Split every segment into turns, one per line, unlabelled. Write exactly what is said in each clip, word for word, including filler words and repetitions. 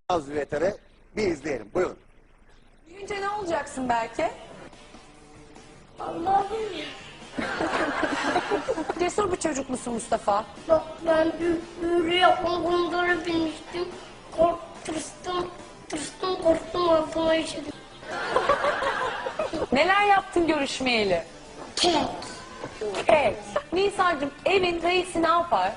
Az Veter'e bir izleyelim. Buyurun.
Büyüyünce ne olacaksın belki?
Allah'ım ya.
Cesur bir çocuk musun Mustafa?
Bak ben büyülü yapmaları bilmiştim. Kork, tırstım, tırstım, korktum, altıma işedim.
Neler yaptın görüşmeyeli?
Kek.
Evet. Nisa'cığım evin reisi ne yapar?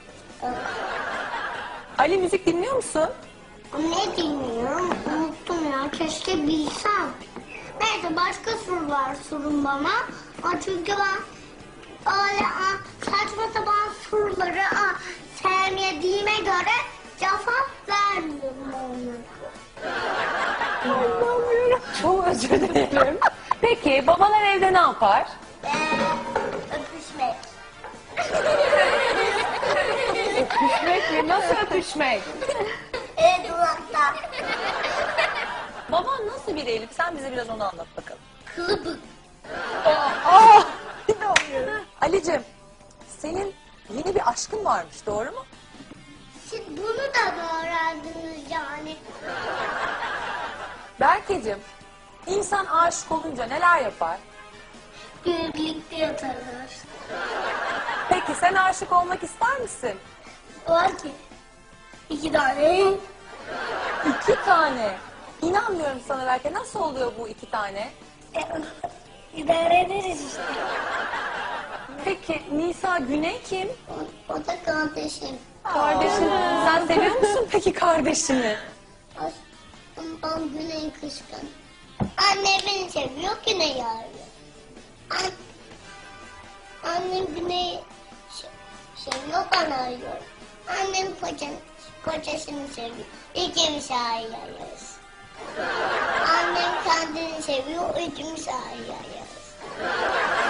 Ali müzik dinliyor musun?
Ne dinliyorum? Unuttum ya. Keşke bilsem. Neyse başka sorular sorun bana. Aa, çünkü ben öyle aa, saçma sapan soruları aa, sevmediğime göre cevap vermiyorum onlara.
Anlamıyorum. Çok özür dilerim. Peki babalar evde ne yapar?
Ee, öpüşmek.
Öpüşmek mi? Nasıl öpüşmek?
Evet uzakta.
Baban nasıl bir Elif? Sen bize biraz onu anlat bakalım.
Kılıbık.
Aa, inanmıyorum. Ali'cim senin yeni bir aşkın varmış, doğru mu?
Siz bunu da mı öğrendiniz yani?
Berkeciğim, insan aşık olunca neler yapar?
Birlikte yatarlar.
Peki sen aşık olmak ister misin?
Var ki iki tane.
İki tane. İnanmıyorum sana Berke. Nasıl oluyor bu iki tane?
E, idare ederiz işte.
Peki Nisa Güney kim?
O, o da kardeşim.
Kardeşin. Sen seviyor musun peki kardeşini?
Ondan Güney kışkın. Anne beni seviyor, Güney arıyor. An Annem Güney seviyor, ben arıyorum. Annem kocan, kocasını seviyor. İkimiz arıyoruz. Annem kendini seviyor, ikimiz arıyoruz.